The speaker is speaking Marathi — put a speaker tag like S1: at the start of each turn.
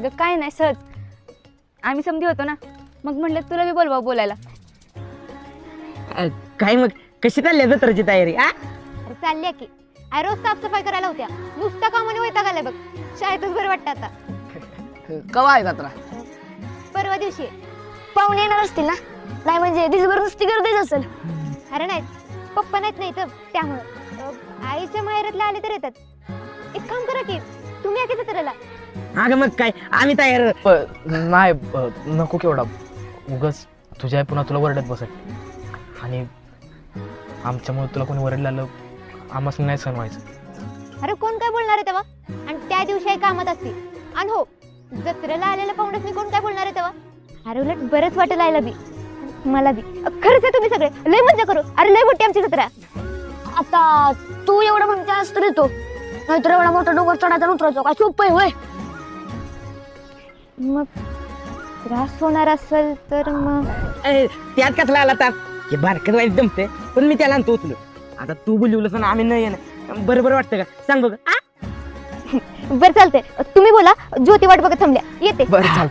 S1: अगं काय नाही सहज आम्ही समधी होतो ना, मग म्हणलं तुला बी बोलवा बोलायला.
S2: काय मग कशी चालली जत्राची तयारी?
S3: अरे चालली की. अरे रोज साफसफाई करायला होत्या, नुसता कामाने वैताग आलाय बघ. शाळेतच बरं वाटतं आता.
S4: कवा आहे जत्रा?
S3: परवा दिवशी आहे.
S1: पाहुणे येणार असतील ना? नाही म्हणजे दिसभर नुसती गर्दीच असेल.
S3: अरे नाही, पप्पा नाहीत नाही तर त्यामुळं आईच्या माहेरातले आले तर येतात. एक काम करा की तुम्ही या की जत्रेला.
S2: अगं मग काय आम्ही तयार.
S4: नाही नको केवढा उगच तुझ्या आई पुन्हा तुला वरडत बसत, आणि आमच्यामुळे तुला कोणी वरडलं आलं आम्हाला नाही सहन व्हायचं.
S3: अरे कोण काय बोलणार आहे तेव्हा? आणि त्या दिवशी आई कामात असते. आणि हो, जत्रेला आलेल्या पाहुण्यासनी कोण काय बोलणार आहे तेव्हा? अरे उलट बरंच वाटेल आईला बी मला बी. खरंच आहे तुम्ही सगळे लय मजा करू. अरे लय मोठी आमची जत्रा.
S1: आता तू एवढं म्हणतेस तर येतो, नाहीतर एवढा मोठा डोंगर चढायचा आणि उतरायचा काय सोपं आहे होय?
S3: मग त्रास होणार असेल तर मग
S2: त्यात कसला आला ताप? हे बारकत वाईट जमते, पण मी त्याला आणतो उचलून. आता तू बोलवलंस ना आम्ही नाही येणार, बरोबर वाटतं का सांग बघ.
S3: बरं चालतंय. तुम्ही बोला, ज्योती वाट बघत थांबल्या, येते.
S4: बरं चाल.